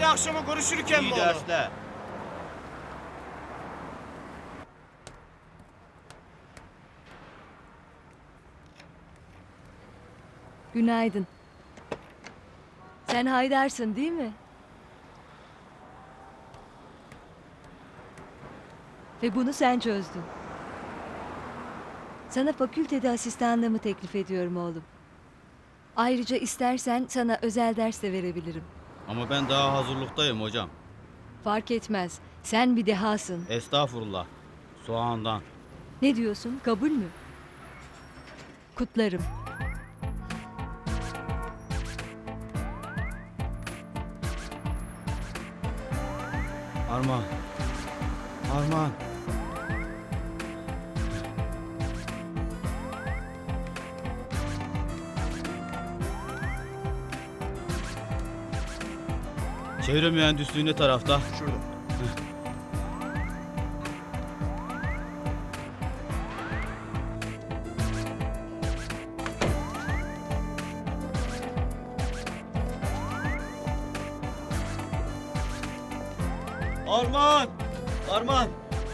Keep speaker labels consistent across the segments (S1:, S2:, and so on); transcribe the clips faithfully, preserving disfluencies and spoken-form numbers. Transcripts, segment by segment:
S1: Hadi akşama görüşürken mi
S2: İyi
S1: oğlum?
S2: dersler.
S3: Günaydın. Sen Haydar'sın değil mi? Ve bunu sen çözdün. Sana fakültede asistanlığımı teklif ediyorum oğlum. Ayrıca istersen sana özel ders de verebilirim.
S2: Ama ben daha hazırlıktayım hocam.
S3: Fark etmez. Sen bir dehasın.
S2: Estağfurullah. Soğandan.
S3: Ne diyorsun? Kabul mü? Kutlarım.
S2: Armağan. Armağan. Çevre mühendisliği ne tarafta?
S1: Şurada.
S2: Armağan! Armağan!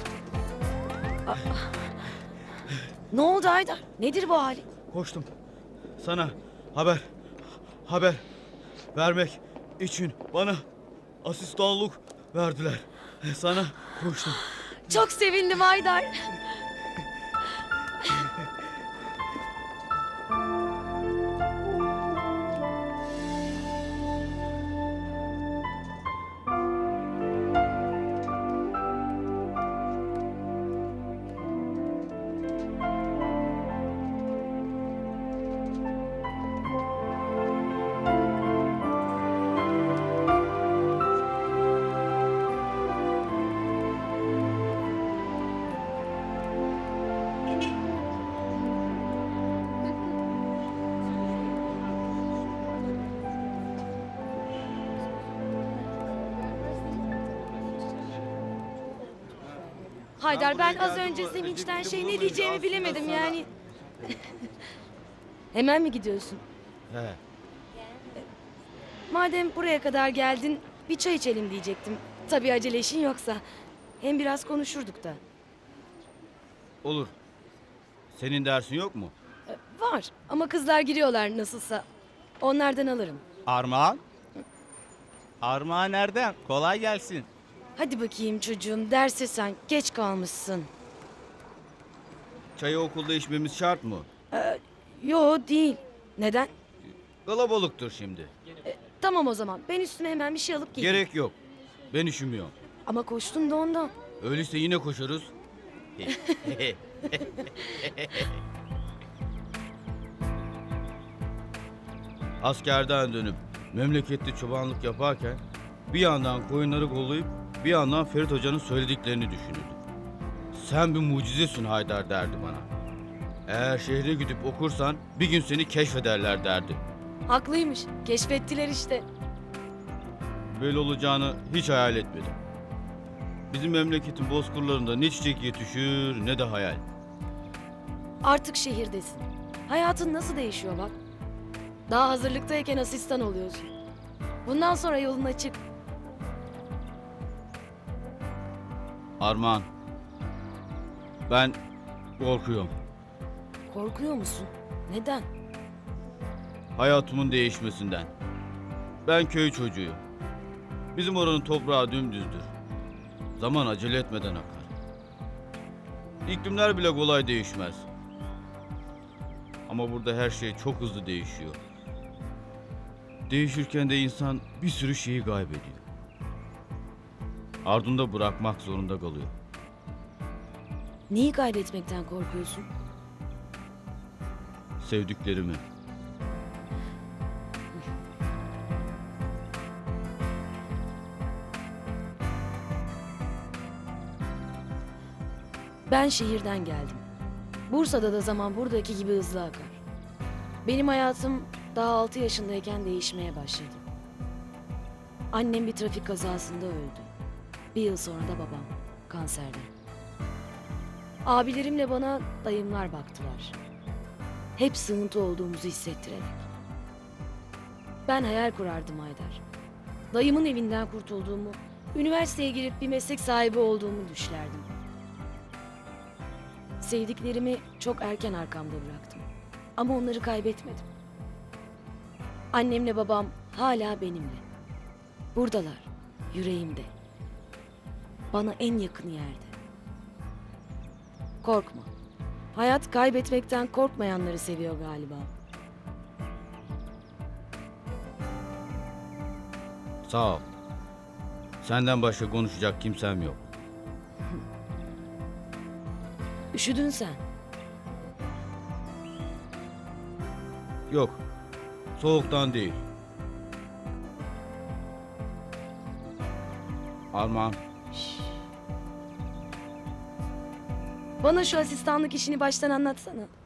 S4: Ne oldu Haydar? Nedir bu hali?
S2: Koştum. Sana haber, haber vermek için bana asistanlık verdiler. Sana koştum.
S4: Çok sevindim Haydar. Haydar ben az önce sevinçten şey ne diyeceğimi bilemedim yani. Hemen mi gidiyorsun?
S2: He.
S4: Madem buraya kadar geldin bir çay içelim diyecektim. Tabii acele işin yoksa. Hem biraz konuşurduk da.
S2: Olur. Senin dersin yok mu?
S4: Var ama kızlar giriyorlar nasılsa. Onlardan alırım.
S5: Armağan? Armağan nereden? Kolay gelsin.
S4: Hadi bakayım çocuğum derse sen geç kalmışsın.
S2: Çayı okulda içmemiz şart mı?
S4: Yo değil. Neden?
S2: Kalabalıktır şimdi.
S4: Tamam o zaman ben üstüme hemen bir şey alıp geleyim.
S2: Gerek yok. Ben üşümüyorum.
S4: Ama koştun da ondan.
S2: Öyleyse yine koşarız. Askerden dönüp memlekette çobanlık yaparken bir yandan koyunları kollayıp bir yandan Ferit Hoca'nın söylediklerini düşünürdüm. Sen bir mucizesin Haydar derdi bana. Eğer şehre gidip okursan bir gün seni keşfederler derdi.
S4: Haklıymış. Keşfettiler işte.
S2: Böyle olacağını hiç hayal etmedim. Bizim memleketin bozkırlarında ne çiçek yetişir ne de hayal.
S4: Artık şehirdesin. Hayatın nasıl değişiyor bak. Daha hazırlıktayken asistan oluyorsun. Bundan sonra yolun açık.
S2: Armağan, ben korkuyorum.
S4: Korkuyor musun? Neden?
S2: Hayatımın değişmesinden. Ben köy çocuğuyum. Bizim oranın toprağı dümdüzdür. Zaman acele etmeden akar. İklimler bile kolay değişmez. Ama burada her şey çok hızlı değişiyor. Değişirken de insan bir sürü şeyi kaybediyor. Ardında bırakmak zorunda kalıyor.
S4: Neyi kaybetmekten korkuyorsun?
S2: Sevdiklerimi.
S4: Ben şehirden geldim. Bursa'da da zaman buradaki gibi hızlı akar. Benim hayatım daha altı yaşındayken değişmeye başladı. Annem bir trafik kazasında öldü. Bir yıl sonra da babam kanserden. Abilerimle bana dayımlar baktılar. Hep sığıntı olduğumuzu hissettirerek. Ben hayal kurardım Haydar. dayımın evinden kurtulduğumu, üniversiteye girip bir meslek sahibi olduğumu düşlerdim. Sevdiklerimi çok erken arkamda bıraktım. Ama onları kaybetmedim. Annemle babam hala benimle. Buradalar, yüreğimde. Bana en yakın yerde. Korkma. Hayat kaybetmekten korkmayanları seviyor galiba.
S2: Sağ ol. Senden başka konuşacak kimsem yok.
S4: Üşüdün sen.
S2: Yok. Soğuktan değil. Armağan,
S4: Bana şu asistanlık işini baştan anlatsana.